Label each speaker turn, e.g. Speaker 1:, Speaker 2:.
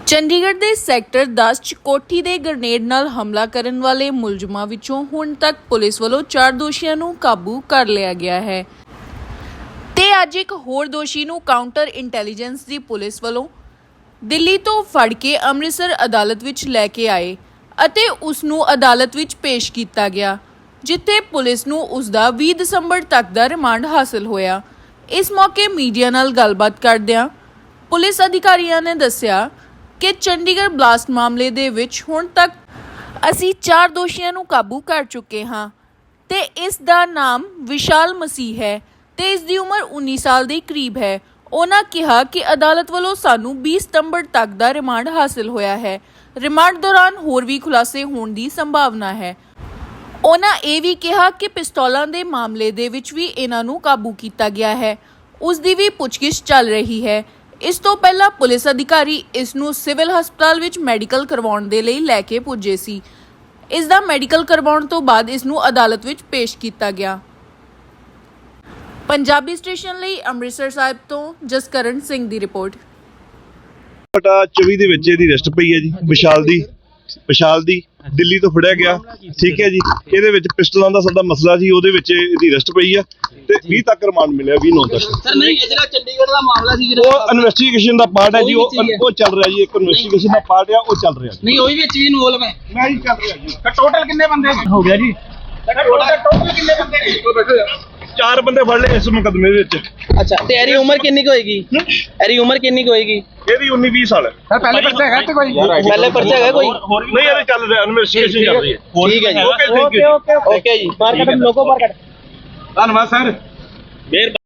Speaker 1: ਚੰਡੀਗੜ੍ਹ ਦੇ ਸੈਕਟਰ 10 ਚ ਕੋਠੀ ਦੇ ਗ੍ਰਨੇਡ ਨਾਲ ਹਮਲਾ ਕਰਨ ਵਾਲੇ ਮੁਲਜ਼ਮਾਂ ਵਿੱਚੋਂ ਹੁਣ ਤੱਕ ਪੁਲਿਸ ਵੱਲੋਂ 4 ਦੋਸ਼ੀਆਂ ਨੂੰ ਕਾਬੂ ਕਰ ਲਿਆ ਗਿਆ ਹੈ ਤੇ ਅੱਜ ਇੱਕ ਹੋਰ ਦੋਸ਼ੀ ਨੂੰ ਕਾਊਂਟਰ ਇੰਟੈਲੀਜੈਂਸ ਦੀ ਪੁਲਿਸ ਵੱਲੋਂ ਦਿੱਲੀ ਤੋਂ ਫੜ ਕੇ ਅੰਮ੍ਰਿਤਸਰ ਅਦਾਲਤ ਵਿੱਚ ਲੈ ਕੇ ਆਏ ਅਤੇ ਉਸ ਨੂੰ ਅਦਾਲਤ ਵਿੱਚ ਪੇਸ਼ ਕੀਤਾ ਗਿਆ, ਜਿੱਥੇ ਪੁਲਿਸ ਨੂੰ ਉਸ ਦਾ 20 ਦਸੰਬਰ ਤੱਕ ਦਾ ਰਿਮਾਂਡ ਹਾਸਲ ਹੋਇਆ। ਇਸ ਮੌਕੇ ਮੀਡੀਆ ਨਾਲ ਗੱਲਬਾਤ ਕਰਦਿਆਂ ਪੁਲਿਸ ਅਧਿਕਾਰੀਆਂ ਨੇ ਦੱਸਿਆ ਕਿ ਚੰਡੀਗੜ੍ਹ ਬਲਾਸਟ ਮਾਮਲੇ ਦੇ ਵਿੱਚ ਹੁਣ ਤੱਕ ਅਸੀਂ 4 ਦੋਸ਼ੀਆਂ ਨੂੰ ਕਾਬੂ ਕਰ ਚੁੱਕੇ ਹਾਂ ਤੇ ਇਸ ਦਾ ਨਾਮ ਵਿਸ਼ਾਲ ਮਸੀਹ ਹੈ ਤੇ ਇਸ ਦੀ ਉਮਰ 19 ਸਾਲ ਦੇ ਕਰੀਬ ਹੈ। ਉਹਨਾਂ ਕਿਹਾ ਕਿ ਅਦਾਲਤ ਵੱਲੋਂ ਸਾਨੂੰ 20 ਸਤੰਬਰ ਤੱਕ ਦਾ ਰਿਮਾਂਡ ਹਾਸਲ ਹੋਇਆ ਹੈ। ਰਿਮਾਂਡ ਦੌਰਾਨ ਹੋਰ ਵੀ ਖੁਲਾਸੇ ਹੋਣ ਦੀ ਸੰਭਾਵਨਾ ਹੈ। ਉਹਨਾਂ ਇਹ ਵੀ ਕਿਹਾ ਕਿ ਪਿਸਤੌਲਾਂ ਦੇ ਮਾਮਲੇ ਦੇ ਵਿੱਚ ਵੀ ਇਹਨਾਂ ਨੂੰ ਕਾਬੂ ਕੀਤਾ ਗਿਆ ਹੈ, ਉਸ ਦੀ ਵੀ ਪੁੱਛਗਿੱਛ ਚੱਲ ਰਹੀ ਹੈ। ਇਸ ਤੋਂ ਪਹਿਲਾਂ ਪੁਲਿਸ ਅਧਿਕਾਰੀ ਇਸ ਨੂੰ ਸਿਵਲ ਹਸਪਤਾਲ ਵਿੱਚ ਮੈਡੀਕਲ ਕਰਵਾਉਣ ਦੇ ਲਈ ਲੈ ਕੇ ਪੁੱਜੇ ਸੀ। ਇਸ ਦਾ ਮੈਡੀਕਲ ਕਰਵਾਉਣ ਤੋਂ ਬਾਅਦ ਇਸ ਨੂੰ ਅਦਾਲਤ ਵਿੱਚ ਪੇਸ਼ ਕੀਤਾ ਗਿਆ। ਪੰਜਾਬੀ ਸਟੇਸ਼ਨ ਲਈ ਅੰਮ੍ਰਿਤਸਰ ਸਾਹਿਬ ਤੋਂ ਜਸਕਰਨ ਸਿੰਘ ਦੀ ਰਿਪੋਰਟ।
Speaker 2: 24 ਦੇ ਵਿੱਚ ਇਹਦੀ ਅਰੈਸਟ ਪਈ ਹੈ ਜੀ। ਵਿਸ਼ਾਲ ਦੀ ਦਿੱਲੀ ਤੋਂ ਫੜਿਆ ਗਿਆ, ਠੀਕ ਹੈ ਜੀ। ਇਹਦੇ ਵਿੱਚ ਪਿਸਟਲਾਂ ਦਾ ਸਾਡਾ ਮਸਲਾ ਸੀ, ਉਹਦੇ ਵਿੱਚ ਇਹਦੀ ਅਰੈਸਟ ਪਈ ਆ ਤੇ 20 ਤੱਕ ਰਿਮਾਂਡ ਮਿਲਿਆ, 20/9 ਤੱਕ।
Speaker 3: ਸਰ ਨਹੀਂ, ਇਹ ਜਿਹੜਾ ਚੰਡੀਗੜ੍ਹ ਦਾ ਮਾਮਲਾ ਸੀ ਜਿਹੜਾ
Speaker 2: ਉਹ ਇਨਵੈਸਟੀਗੇਸ਼ਨ ਦਾ ਪਾਰਟ ਹੈ ਜੀ, ਉਹ ਚੱਲ ਰਿਹਾ ਜੀ। ਇੱਕ ਇਨਵੈਸਟੀਗੇਸ਼ਨ ਦਾ ਪਾਰਟ ਆ, ਉਹ ਚੱਲ ਰਿਹਾ।
Speaker 3: ਨਹੀਂ, ਉਹ ਵਿੱਚ ਵੀ ਇਨਵੋਲਵ ਹੈ।
Speaker 2: ਮੈਂ ਹੀ ਚੱਲ ਰਿਹਾ ਜੀ।
Speaker 3: ਟੋਟਲ ਕਿੰਨੇ ਬੰਦੇ
Speaker 2: ਹੋ ਗਿਆ ਜੀ?
Speaker 3: ਟੋਟਲ ਕਿੰਨੇ ਬੰਦੇ?
Speaker 2: 4 ਬੰਦੇ ਫੜ ਲਏ ਇਸ ਮੁਕੱਦਮੇ ਵਿੱਚ।
Speaker 3: ਅੱਛਾ, ਤੇ ਇਹਦੀ ਉਮਰ ਕਿੰਨੀ ਕੁ ਹੋਏਗੀ? ਇਹਦੀ ਉਮਰ ਕਿੰਨੀ ਕੁ ਹੋਏਗੀ?
Speaker 2: ਇਹਦੀ 19-20 ਸਾਲ ਹੈ।
Speaker 3: ਸਰ ਪਹਿਲੇ ਪਰਚਾ ਹੈਗਾ ਤੇ ਕੋਈ? ਪਹਿਲੇ ਪਰਚਾ ਹੈਗਾ ਕੋਈ?
Speaker 2: ਨਹੀਂ, ਇਹਦੇ ਚੱਲ ਰਿਹਾ, ਇਨਵੈਸਟੀਗੇਸ਼ਨ ਚੱਲ ਰਹੀ ਹੈ।
Speaker 3: ਠੀਕ ਹੈ ਜੀ,
Speaker 2: ਓਕੇ ਜੀ।
Speaker 3: ਓਕੇ ਜੀ। ਬਾਹਰ ਕੱਢ, ਲੋਗੋ ਬਾਹਰ ਕੱਢ।
Speaker 2: ਧੰਨਵਾਦ ਸਰ।